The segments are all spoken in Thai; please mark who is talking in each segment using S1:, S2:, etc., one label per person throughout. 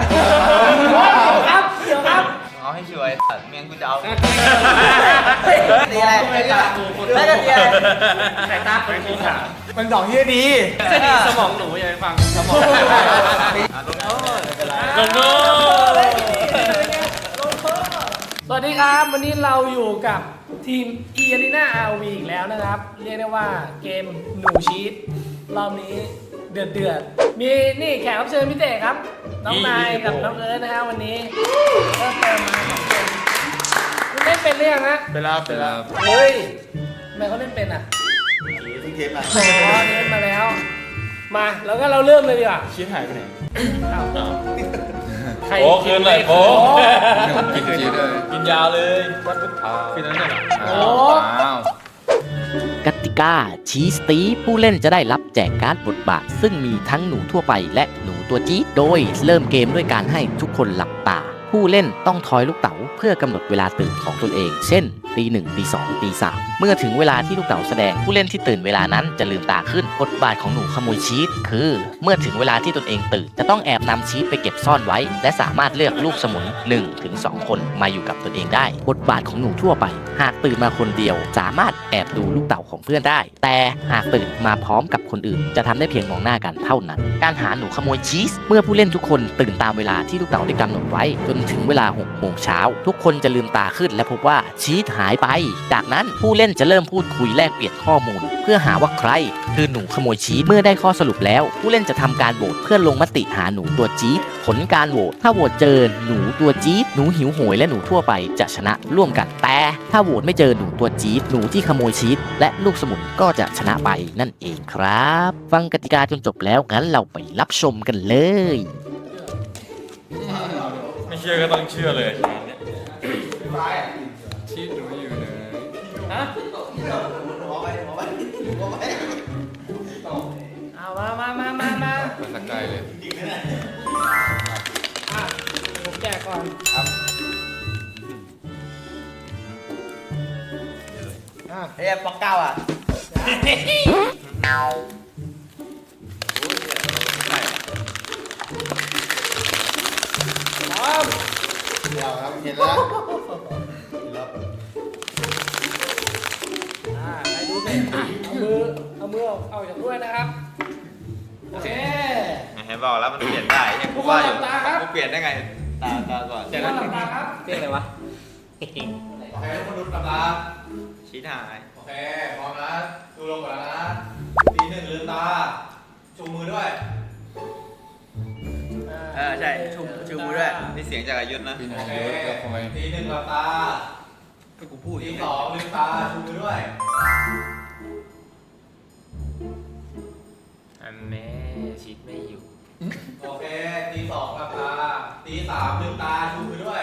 S1: ครับเดี๋ยวครับ
S2: เอาให้ช่วยเมียงกูจะเอา
S1: ตีอะไรไม่ได้ไม่ได้ตีอะไรสายตาคนกูขามันดอกที่ดีสมองหนูอย่าไปฟังสมองลงโทษสวัสดีครับวันนี้เราอยู่กับทีม Arena RV อีกแล้วนะครับเรียกได้ว่าเกมหนูชีตรอบนี้เดือดมีนี่แขกรับเชิญพิเศษครับน้องนายกับน้องเอิร์ธนะฮะวันนี้เริ่มเติมมา2คนคุณเล่นเป็นหรือยังฮะ
S3: เป็นแล้ว
S1: เฮ้ยทำไมเขาเล่นเป็นอ่ะ
S3: ทิ้งเทปอ่ะ
S1: อ๋อเล่นมาแล้วมาแล้วก็เราเริ่มเลยดีกว่า
S3: ชิ้นหายไปไหน
S2: โอ้คืนเลยโอ้
S3: กินชีสเลย
S2: กินยาวเลย
S3: วัดพุทธาคือนั้นเหรอ
S1: โอ้
S4: กติกาชี้สตีผู้เล่นจะได้รับแจกการ์ดบทบาทซึ่งมีทั้งหนูทั่วไปและหนูตัวจี๊ดโดยเริ่มเกมด้วยการให้ทุกคนหลับตาผู้เล่นต้องทอยลูกเต๋าเพื่อกำหนดเวลาตื่นของตนเองเช่นตี 1 ตี 2 ตี 3เมื่อถึงเวลาที่ลูกเต๋าแสดงผู้เล่นที่ตื่นเวลานั้นจะลืมตาขึ้นบทบาทของหนูขโมยชีสคือเมื่อถึงเวลาที่ตนเองตื่นจะต้องแอบนำชีสไปเก็บซ่อนไว้และสามารถเลือกลูกสมุน 1-2 คนมาอยู่กับตนเองได้บทบาทของหนูทั่วไปหากตื่นมาคนเดียวสามารถแอบดูลูกเต๋าของเพื่อนได้แต่หากตื่นมาพร้อมกับคนอื่นจะทำได้เพียงมองหน้ากันเท่านั้นการหาหนูขโมยชีสเมื่อผู้เล่นทุกคนตื่นตามเวลาที่ลูกเต๋าได้กำหนดไว้จนถึงเวลา6 โมงเช้าทุกคนจะลืมตาขึ้นและพบว่าชีสหายไปจากนั้นผู้เล่นจะเริ่มพูดคุยแลกเปลี่ยนข้อมูลเพื่อหาว่าใครคือหนูขโมยชีสเมื่อได้ข้อสรุปแล้วผู้เล่นจะทำการโหวตเพื่อลงมติหาหนูตัวจี๊ดผลการโหวตถ้าโหวตเจอหนูตัวจี๊ดหนูหิวโหยและหนูทั่วไปจะชนะร่วมกันแต่ถ้าโหวตไม่เจอหนูตัวจี๊ดหนูที่ขโมยชีสและลูกสมุนก็จะชนะไปนั่นเองครับฟังกติกาจนจบแล้วงั้นเราไปรับชมกันเลย
S2: ไม่เชื่อก็ต้องเชื่อเลย
S3: ชีสหนูอยู่ไหน
S1: ฮะเอามา
S3: สักไกลเลย
S1: ผมแจกก่อน
S3: ครับ
S2: เฮ้ยปอกเก้าอ่ะ
S3: เดี๋ยวครับเห็นแล้ว
S1: ใครดูเสร็จเอามือออกจากด้วยนะครับโอเค
S2: เห็นบอกแล้วมันเปลี่ยนได้ยังกูว่าอยู่กูเปลี่ยนได้ไงตาก่อน
S1: เดี๋ยวหลับตาครับ
S2: เปลี่ยนอะไรวะ
S3: โอเคทุกคนดูหลับตา
S2: ชี้หาย
S3: โอเคพร้อมนะดูลงก่อนนะตี 1ลืมตาชูมือด้วย
S2: ใช่ชูมือด้วยนี่เสียงจากอายุนะ
S3: โอเคตี 1หลับตา
S2: ให้กูพูด
S3: ตี 2ลืมตาชูมือด้วย
S2: อันแม่ชิดไม่อยู่
S3: โอเคตี 2หลับตาตี 3ลืมตาชูมือด้วย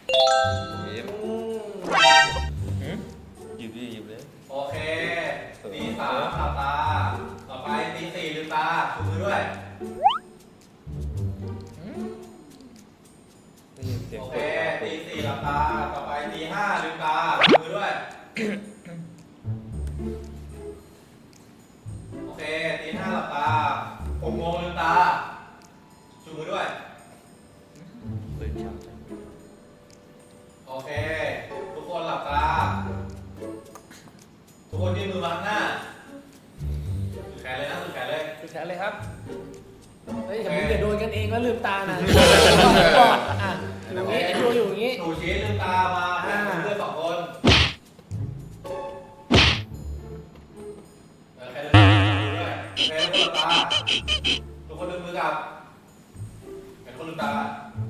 S2: หยิบเลย
S3: โอเคตี 3หลับตาต่อไปตี 4ลืมตาชูมือด้วยโอเคตี 4หลับตาต่อไปตี 5ลืมตาชูมือด้วยโอเคตี 5หลับตา6 โมงลืมตาชูมือด้วยโอเคทุกคนหลับตาทุกคนยื่นมือมาข้างหน้าแขนเลยนะแขนเลย
S1: แขนเลยครับเฮ้ยอย่าโดนกันเองแล้วลืมตานะอย่างนี้ดูอยู่อย่างนี้
S3: หนูชี้ลืมตามาเพื่อน2 คนแขนเลยแขนลืมตาทุกคนลืมมือกับแขนคนลืมตา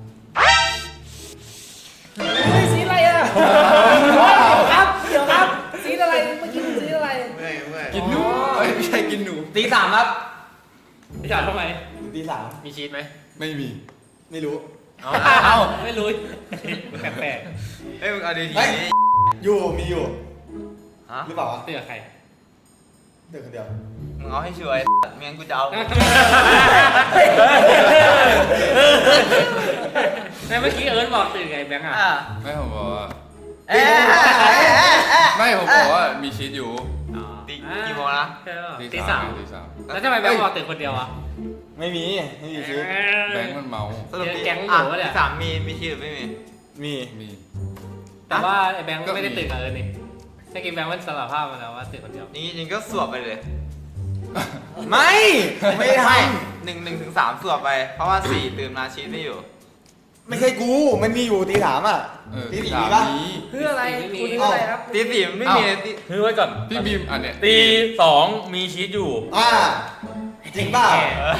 S1: สีอะไรอ่ะเดี๋ยวครับสีอะไรเมื่อกี้สีอะไร
S3: กินหนูไม่ใช่กินหนู
S2: ตี 3ครับ
S1: ตี 3ทำไม
S3: ตี 3
S2: มีชีสไหม
S3: ไม่มีไม่รู้
S1: เอาไม่รู้แปลก
S2: เฮ้ยมึงเอาดี
S3: อยู่มีอยู่หรือเปล่าวะ
S1: เตือนใคร
S3: เตือนคนเดียว
S2: มึงเอาให้ช่วยเมียงกูจะเอา
S1: แต่เมื่อกี้เอิร์ธบอกตื่นไงแบงค์อ่ะ
S3: ไม่ผมบอกว่าไม่ผมบอกว่ามีชีสอยู่
S2: ตีกี่โมงนะ
S1: ตี 3แล้วทำไมแบงค์บอกตื่นคนเดียวอ่ะ
S3: ไม่มีชีส
S5: แบงค์มันเมา
S2: สรุป
S1: แก๊งห
S2: อ่ะ
S1: นูเนี่ย
S2: ที่สามมีชีสหรือไม่มี
S3: มี
S5: มี
S1: แต่ว่าไอ้แบงค์ไม่ได้ตื่นกับเอิร์นนี่ถ้ากินแบงค์มันสารภาพมาแล้วว่าตื่นคนเดียว
S2: อย่างนี้ก็สวบไปเลย
S3: ไม่ได้ท
S2: 1 ถึง 3สวบไป เพราะว่า 4 ตื่นมาชีสไม่อยู่
S3: ำไม่ใช่กูมันมีอยู่ตีสามอ่ะ ตีสี่มีปะ
S1: เพื่ออะไรคุณเพื่ออะไรครับ
S2: ตีสี่มันไม่มีตี
S6: คือไว้ก่อน
S5: พี่บีมอันเนี้ย
S6: ตีสองมีชีสอยู่
S3: จริงเปล่า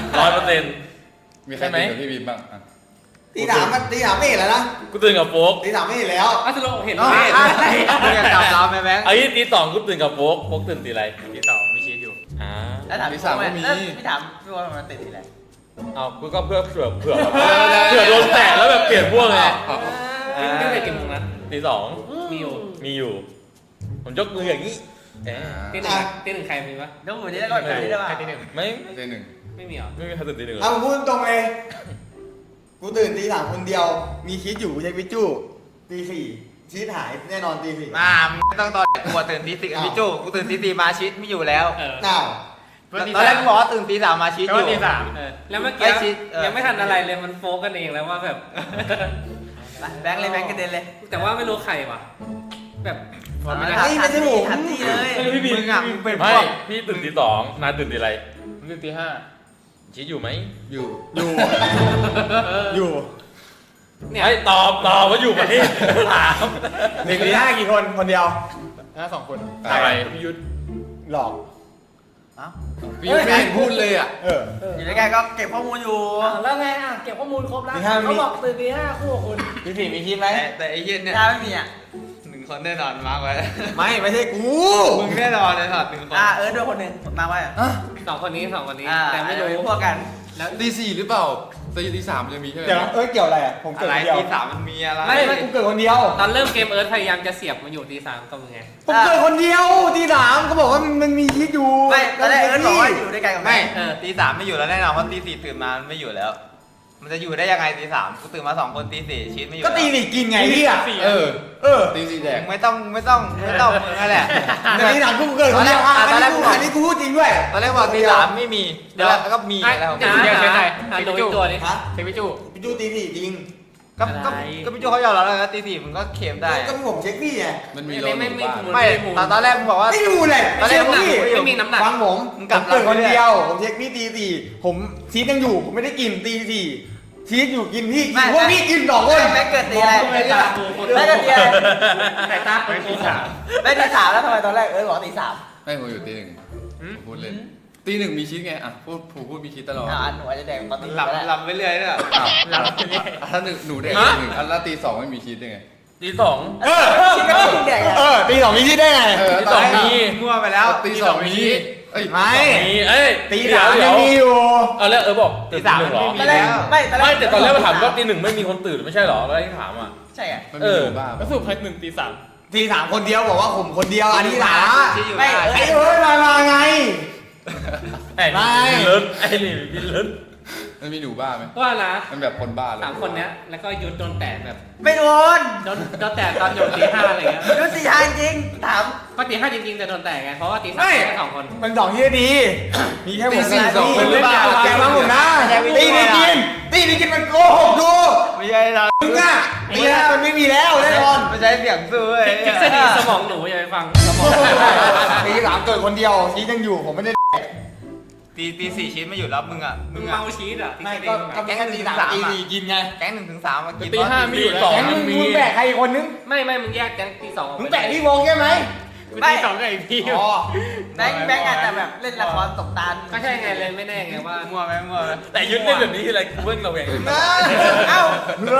S6: 100%
S5: มีใครตื่นกับพี่บีมบ้างอ่ะ
S3: ตีสามไม่เห็นแล้วนะ
S6: กูตื่นกับโฟก
S3: ตีสามไม่เห็นแล้ว
S1: อัสโลเห็น
S2: อ๋อ
S1: ไหม
S2: มึงจะจำเราไหมแบงค์
S6: ไอ้ตีสองกูตื่นกับโฟกตื่นตีอะไร
S1: ตีสองมีชีสอยู่
S6: อ่า
S7: แล้วถาม
S5: ตี
S7: พี่
S5: สามก็มี
S7: พี่ถามพี่ว่ามันติดที่ไหน
S6: เอากูก็เผื่อเโดนแตะแล้วแบบเปลี่ยนพวกไง
S1: นี่เป็นกี่โมงนะ
S6: ตีสอง
S1: มีอยู่
S6: มีอยู่ ผมยกมืออย่างนี้เอ๊ะ
S1: ตีหนึ่งใครมีปะ
S7: เดี๋ยวผมจะได้ก่อนได้ป่ะ
S1: ใครตีหนึ่ง
S6: ไม่
S5: ตีหนึ่ง
S1: ไม่มีเหรอ
S6: ไม่มีใครตื่นตีหนึ่งเลย
S3: ผมพูดตรงเลยกูตื่นตีสามคนเดียว มีชีสอยู่ใช้วิจูตีสี่ชีสหายแน่นอนตีสี่
S2: ไม่ต้องตอนกูตื่นตีสี่พี่จูกูตื่นตีสี่มาชีสไม่อยู่แล้ว
S3: อ้าว
S2: ตอนแรกกูบอกว่าตื่นตีสามมาชีสอยู่
S1: แล้วเมื่อ
S2: ไอ้ชี
S1: กี้
S2: สเออ
S1: ยังไม่ทันอะไรเลยมันโฟกันเองแล้วว่าแบบ
S7: แบงค์เลยแบงค์กระเด็นเลย
S1: แต่ว่าไม่รู้ใครว่ะแบบ
S3: ไม่ใช่ผม
S7: ทันทีเลย
S6: พี่บี
S2: มึงอ่ะมึงเป็นพ
S6: ไม่
S2: วก
S6: พี่ตื่นตีสองนายตื่นตีอะไรตื่นตีห้าชีสอยู่ไหม
S5: อยู่
S3: อยู่
S1: เนี่ย
S6: ไอ้ตอบว่าอยู่ประเทศถาม
S3: หนึ่งตีห้ากี่คนคนเดียว
S6: อะไร
S3: หลอก
S5: พี่บีมไม่เห็นพูดเลยอ่ะ
S7: อยู่ด้วยกันก็เก็บข้อมูลอยู่
S1: แล้วไงอ่ะเก็บข้อมูลครบแล้ว
S3: ตีห้ามี
S1: เขาบอกตื่นตีห้าคู่กับคุณ
S3: ตีสี่มีชีสไหม
S2: แต่ไอ้เหี้ย็นเนี่ย
S7: ถ้าไม่มีอ่ะ
S2: 1 คนแน่นอนมาร์กไว้
S3: ไม่ใช่กู
S2: มึงแน่นอนเลยถอด1 คน
S7: ด้วยคนหนึ่งมาไว้
S1: สองคนนี้
S7: แต่
S1: แต่
S7: ไม่
S1: ไม่
S7: รู้
S1: รู้
S7: พวกกัน
S5: ตีสี่หรือเปล่าตีสามจะมีใช่ไหม
S3: เดี๋ยวเกี่ยวอะไรอ่ะผม
S2: อะ
S3: เกิด
S2: ไร
S3: คนเดียว
S2: ตีสามมันมีอะไร
S3: ไม่กูเกิดคนเดียว
S1: ตอนเริ่มเกมเอิร์ธพยายามจะเสียบมาอยู่ตีสามกับมึงไง
S3: ผมเกิดคนเดียวตีสามเขาบอกว่ามันมีชีสอยู่
S7: ไม่ตอนแรกเอิร์ธบอกว่าอยู่ด้วยกันกับ
S2: ไม่
S7: แม่
S2: ตีสามไม่อยู่แล้วแน่นอนเพราะตีสี่ตื่นมามันไม่อยู่แล้ว มันจะอยู่ได้ยังไงตีสามกูตื่นมา2 คนตีสี่ชีสไม่อยู่
S3: ก็ตีสี่กินไงพี่อ่ะ
S5: เออ ตีสี่แดก
S2: มึงไม่ต้องมึงนั่นแหละ
S3: แต่ตีสามกูเกิดคนเดียวอันนี้กูพูดจริงด้วย
S2: ตอนแรกบอกตีสามไม่มีแล้วก็มีแล้ว
S1: เดี๋ยวใครดูอีกตัวนี้
S3: ฮะ
S1: เทปิจู
S3: พี่จูตีสี่จริง
S2: ก็พี่โจเขายอมรับแล้วตีสี่มึงก็เค็มได้
S3: ก็ผมเช็คพี่ไง
S5: มันมีโลนหมู่บ้าน
S2: ไม่ตอนแรกมึงบอกว่า
S3: ไม่ดูเลย
S2: ตอนแรก
S3: พี่
S1: ไม่มีน้ำหนัก
S3: ฟังผม
S2: มึงกลับ
S3: เกิดคน
S2: หลังไปเรื่อย
S3: เดียว ผมเช็คพี่ตีสี่ผมชีสยังอยู่ผมไม่ได้กินตีสี่ชีสอยู่กินพี่กินพวกพี่กิน2 คน
S7: แม่เกิดตีอะไร
S1: แม่ตาปูคน
S7: แม่เกิดตีอะไร
S1: แต่ตาเป็นตีสาม
S7: แม่ตีสามแล้วทำไมตอนแรกเอิร์ธบอกตีสาม
S5: ไม่ผมอยู่ตีหนึ่งผมพูดเลยตีหนึ่งมีชีสไงอ่ะพูดมีชีสตลอด
S7: อันหนูอาจจะแดงตอนตี
S2: หลับ
S7: ก็ได้
S2: หลับไปเรื่อยเนี่ย
S5: อ้าวถ้าหนูแดกหนึ่งอันแล้วตีสองไม่มีชีสได้ไง
S6: ตีสอง
S7: ชิคก็กินแดงอ่ะ
S3: ตี2มีชีสได้ไง
S6: ตีสองมี
S2: มั่วไปแล้ว
S5: ตีสองมีชีสเอ้ย
S3: ไม่
S6: มีเอ้ย
S3: ตีสามยังมีอยู่
S6: เอาแล้วบอก
S2: ตีสาม
S6: ห
S2: มั
S6: นึ่
S2: น
S6: งเหรอ
S2: ไม่มีแล้ว
S7: ไม่ตอนแร
S6: ไม่
S7: ก
S6: แต่ตอนแรกมาถามว่าตีหนึ่งไม่มีคนตื่นไม่ใช่เหรอแล้วที่ถามอ่ะ
S7: ใช่ไง
S5: มันมีหมู่บ้าน
S6: ก็สรุปใครหนึ่งตีสาม
S3: ตีสามคนเดียวบอกว่าผมคนเดียวอันนี้หลา
S2: ที่อยู่
S7: ไม่
S2: ได้
S3: ไอ้เอ้ยมาไง
S6: ไอ้
S3: ไม่
S6: นี่เลิศไอ้นี่บินเลิศ
S5: มันมีหนูบ้าไหม
S1: ว่านะ
S5: มันแบบคนบ้าเลย
S1: สามคนเนี้ยแล้วก็ยุดโดนแตะแบบ
S7: ไม่โดน
S1: โดนแตะตอนอยู่ตีห้าอะไรเงี้ย
S7: ดูตีห้าจริงถาม
S1: ก็ตีห้าจริงๆแต่โดนแตะไงเพราะว่าตีสาม
S3: ไม่
S1: แค่2 คน
S3: มัน2ที่ดี มีแค่ผม
S5: ตีสี่สองคนหรือเปล่า
S3: แกฟังผมนะตีนี่กินมันโกหกดู
S2: ไม่ใช่เรา
S3: มึงอะตีห้ามันไม่มีแล้วแน่นอน
S2: ไม่ใช่เสียงสู้เว้ย
S1: ทฤษฎีสมองหนูอย่าไปฟังสมอง
S3: ตีสามเกิดคนเดียวชีสยังอยู่ผมไม่ได้
S2: ตีสี่ชิ้นไม่อยู่แล้วมึงอ่ะ
S1: มึ
S2: มึ
S1: ง
S2: งอ่ะ
S1: เมาชีสอ่ะ
S3: ไม่ก็แค่ตีสามตีสี่กินไง
S2: แก๊ง1 ถึง 3มากิน
S6: ตีห้ามีอยู่สอง
S3: แกมึง
S6: มี
S3: แบกใครอีกคนนึง
S1: ไม่มึงแยกแก๊งตีสองออก
S3: มึง
S1: ไป
S3: แบกพี่วงใช่ไหม
S1: ตีสองกับไอ้พี่
S3: อ๋อ
S7: แบงค์อาจจะแบบเล่นละครตกตาล
S1: ก็ใช่ไงเลยไม่แน่ไงว่า
S2: มั่วไหม
S6: แต่ยุดเล่นแบบนี้ทีไรกูเพิ่งเราเอง
S7: เอ้า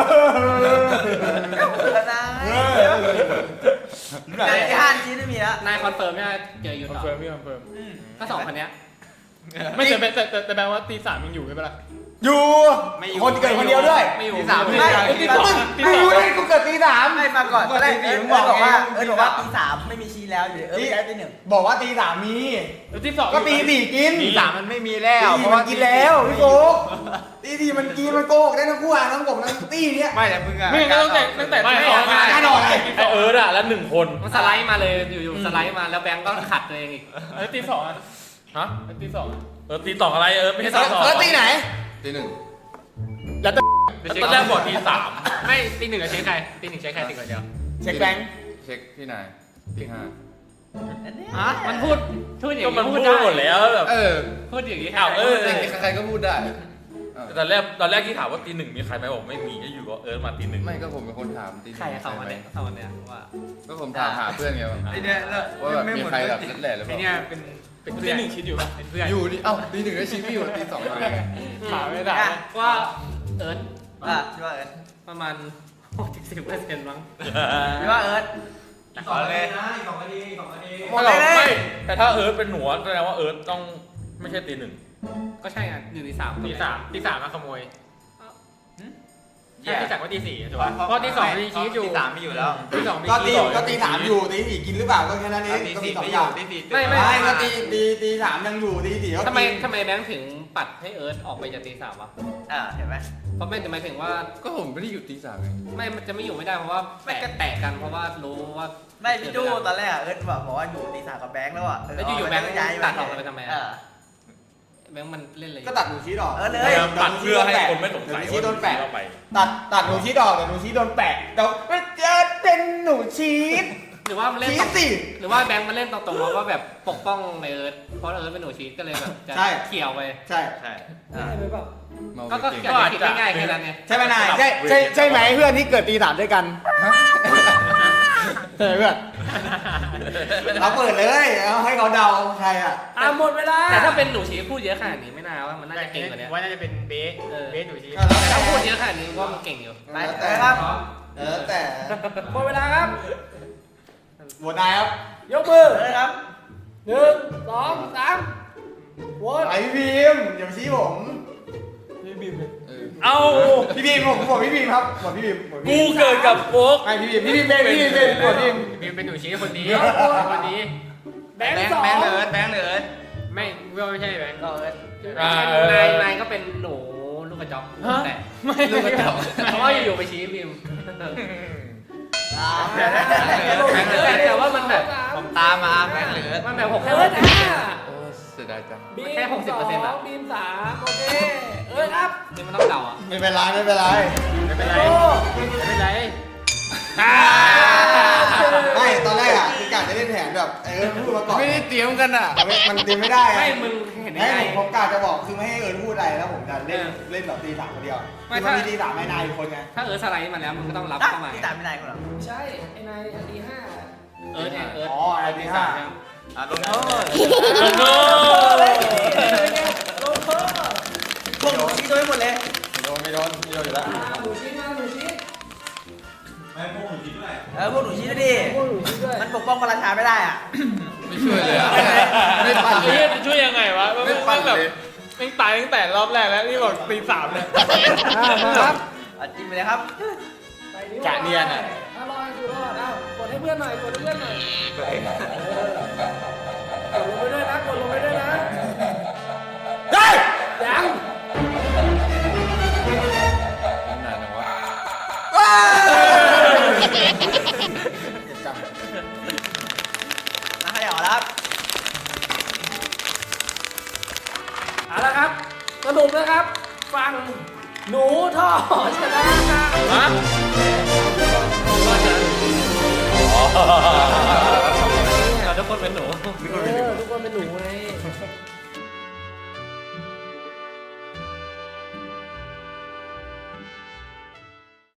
S3: ไหน
S7: แต่ที่ห้านชิ้นไม่มีแล้ว
S1: นายคอนเฟิร์มใช่ไหมเจอยุด
S6: คอน
S1: ต่อ
S6: เฟิร์มพี่คอนเฟิร์ม
S1: ก็2 คนเนี้ย
S6: ไม่แต่แปลว่าตีสามยังอยู่ใช่ปะล่ะ
S3: อยู่คนเกิดคนเดียวด้วย
S1: ไม่อยู่
S2: ตีสาม
S7: ไม่
S3: ไม่รู้เลยกูเกิดตีสาม
S7: ไม่มาก่อนตอนแรกเอิร์ธบอกว่าตีสามไม่มีชีแล้วอยู่เอิร์ธย้ายตีหนึ่ง
S3: บอกว่าตีสามมี
S6: แล้วตีสอง
S3: ก็ตีสี่กิน
S2: ตีสามมันไม่มีแล้ว
S3: ตีมันกินแล้วพี่โกตีสี่มันกินมันโกหกได้ทั้งคู่อ่ะทั้งผมทั้งตีเนี้ย
S2: ไม่แต่มึงอ่ะ
S6: ไม่งั้นตั้งแต่
S1: ไม่
S6: สอง
S1: ไม่
S3: แน่นอนเลย
S6: ไอเอิร์ดอะแล้ว1 คน
S1: มันสไลด์มาเลยอยู่ๆสไลด์มาแล้วแบงก์ก็ขัดตัวเองอีก
S6: แล้วตีสองอะฮะตีสองตีสองอะไรไม่ใช่ตีสอง
S3: แล้วตีไหน
S5: ตีหนึ่ง
S6: ตอนแรกบอกตีสาม
S1: ไม่ตีหนึ่งใช้ใครตีหนึ่งใช้ใครตีก่อนเดียว
S3: เช็คแบงค์
S5: เช็คพี่นายตีห้า
S1: มันพูดอย่าง
S6: ก็
S1: นี้
S6: มันพูด
S1: ได้
S6: หมดแล้วแบบ
S1: พูดอย่างนี้
S6: อ้าวเออ
S5: ใครก็พูดได้
S6: ตอนแรกที่ถามว่าตีหนึ่งมีใครไหมบอกไม่มีก็อยู่ก็มาตีหนึ่ง
S5: ไม่ก็ผมเป็นคนถามตีหนึ่ง
S1: ใครเข้ามาเนี่ยเข้ามาเนี่ยว่า
S5: ก็ผมถามหาเพื่อนไงว่า
S2: ไอเนี่ย
S5: แบบมีใครแบบนั่นแหละหรือเป
S1: ไอ
S5: ล่า
S1: เนี่ยเป็นเพื่อนหนึ่งคิดอยู่เป็นเพื่อน
S5: อยู่ดิเอ้าตีหนึ่งก็ชี้พี่อยู่ตีสองอะไรไง
S1: ถามไม่ได้ว่าเอิร์ธ
S7: พี่ว่าเอิร์ธ
S1: ประมาณ60%มั้ง
S7: พี่ว่าเอิร์ธ
S2: ขอเลย
S6: ไม่หรอกไม่แต่ถ้าเป็นหนูแสดงว่าต้องไม่ใช่ตีหนึ่ง
S1: ก็ใช่ไง1 ตี 3ตีสามมาขโมยใช่ตีสามก็ตีสี่ถูกป่ะเพราะตีสองมีชีสอยู่
S2: ตีสามไม่อยู่แล้ว
S1: ตีสองมี
S3: ก็
S1: ชี
S3: ตี
S1: ส
S3: ก็ตีสามอยู่ตีสี่กินหรือเปล่าก็แค่นั้นเอง
S2: ตี
S3: ก็มี
S2: สี่
S3: สอง
S2: ไม่
S3: อ
S2: อยู่
S3: ย่าง
S2: ตีสี่
S3: ไม่ก็ตีสามยังอยู่ตีสี่ก็
S1: ทำไมแบงค์ถึงปัดให้เอิร์ธออกไปจากตีสามวะ
S7: เห็นไหม
S1: เพราะไม่หมายถึงว่า
S5: ก็ผมไม่ได้อยู่ตีสามไง
S1: ไม่มันจะไม่อยู่ไม่ได้เพราะว่าแตกกันเพราะว่ารู้ว่า
S7: ไม่พี่จู้ตอนแรกเอิร์ธบอกว่าอยู่ตีสามกับแบงค์แล้วอ่ะ
S1: แล้วอยู่ๆแบงค์
S7: ย้าย
S1: ตัดออกไปทำไม
S7: เอ
S1: อะ
S7: อ
S1: แบงค์มันเล่นอะไรอยู่
S3: ก็ตัดหนูชี้ออก
S7: เออเลย
S6: ปัดเพื่อให้คนไม่สงสัย
S3: หนูชี้โดนแปะ
S6: ว่าไป
S3: ตัดหนูชี้ออกแต่หนูชี้โดนแปะแต่ไม่เจอเป็นหนูชี้
S1: หรือว่ามันเล่น
S3: ชี้
S1: ตรง
S3: สิ
S1: หรือว่าแบงค์มันเล่นตรงๆว่าแบบปกป้องในเอิร์ธเพราะเอิร์ธเป็นหนูชีสก็เลยแบบจะ
S3: ใช่
S1: เขี่ยวไป
S3: ใช่
S2: ใช่
S5: เมา
S1: ก็
S5: เก่ง
S1: เขี่ยวคิดง่ายๆแค่นั้นไง
S3: ใช่ไหมนายใช่ไหมเพื่อนที่เกิดตีสามด้วยกันใช่เพื่อนเราเปิดเลยเอาให้เขาเดาใครอ่ะหมดเวลา
S1: แต่ถ้าเป็นหนูชีสพูดเยอะขนาดนี้ไม่น่าว่ามันน่าจะเก่งกว่านี้
S8: ว่าน่าจะเป็นเบส
S1: เบส
S8: หนูชีส
S1: แต่ถ้าพูดเยอะขนาดนี้ก็มันเก่งอยู่
S3: แล้ว
S7: ไป
S3: แต่
S7: ครับ
S3: แต่
S1: หมดเวลาครับ
S3: โหวตนายครับ
S1: ยกมือ
S7: เอิร์ธครับ
S1: 1 2 3โหวต
S3: ไอพี่บีมอย่ามาชี้ผม
S6: เอ้า
S3: พี่บีมผมบอกพี่บีมครับบอกพี่บีมบอกพี่
S6: กู
S3: บีม
S6: เกิดกับโฟก
S3: ไอพี่บีมเป็นบอกพี่บีม
S8: บีมเป็นหนูชีสคนนี้
S1: คนนี้แบงค์
S2: แบงค์เลยแบงค์เลย
S8: ไม่ไม่ใช่แบงค์
S7: ก็เอิร์ธ
S1: นายก็เป็นหนูลูกกระจอกแต่
S7: ลูกกระจอก
S1: เพราะว่าอยู่ๆไปชี้พิมพ์ แต่ว่ามันแบบ
S2: ผมตามมาแบงค์เลย
S1: มันแบบ6
S5: โอ้เสียดายจัง
S1: แค่ 60%อ่ะบีม3โอเคครับนี่มันต้องเดาอ่ะ
S3: ไม่เป็นไรไม่เป็นไร
S8: ไม่เป็นไรไม่เป็นไร
S3: ไม่ตอนแรกอ่ะคือกะจะเล่นแผนแบบพูดมาก่อน
S5: ไม่ได้เตรียมกันอ่ะ
S3: แต่มันเตรียมไม่ได้
S1: ไม่มึงเห็นได้ไง
S3: ผมกะจะบอกคือไม่ให้พูดอะไรแล้วผมจะเล่นแบบตีสามคนเดียวคือมันมีตีสามให้นายอีกคนไง
S1: ถ้าสไลด์มาแล้วมึงก็ต้องรับเข้ามา
S7: ที่ตามไม่ได้คนหรอ
S1: ใช่ไอ้นายตี5เนี่ยเอิร์ธ
S3: อ๋อไอตีห้า
S2: ลงโทษ
S6: ลงโทษ
S7: พวกหนูชี้โดนหมดเลย
S3: ไม่โดนอยู่แล้ว
S1: หนูชี้มาหนูชี้
S7: พวกหนูชี้ด้วยดิมันปกป้องพระราชาไม่ได้อ่ะ
S5: ไม่ช่วยเลยอ่ะไม่ปั่นเล
S8: ไอ้
S5: ย
S8: เหี้ยจะช่วยยังไงวะ
S5: ไม่ปั่น
S8: แบบ
S5: เลย
S8: แม่งตายตั้งแต่รอบแรกแล้วนี่บอกตีสามเลย
S1: ครับ
S7: จิ้มไปเลยครับ
S8: กะเนียนอะ
S1: ถ้ารออยู่รอดกดให้เพื่อนหน่อยกดให้เพื่อนหน่อยกดลงไปด้วยนะกดลงไปด้วยนะยัง
S5: นานจังวะ
S7: นะขยับแล้วครับ
S1: เอาละครับสรุปนะครับฟังหนูท่อชนะครับ
S6: ฮะ
S1: เราทุกคนเป็นหนูทุกคนเป็นหนูไง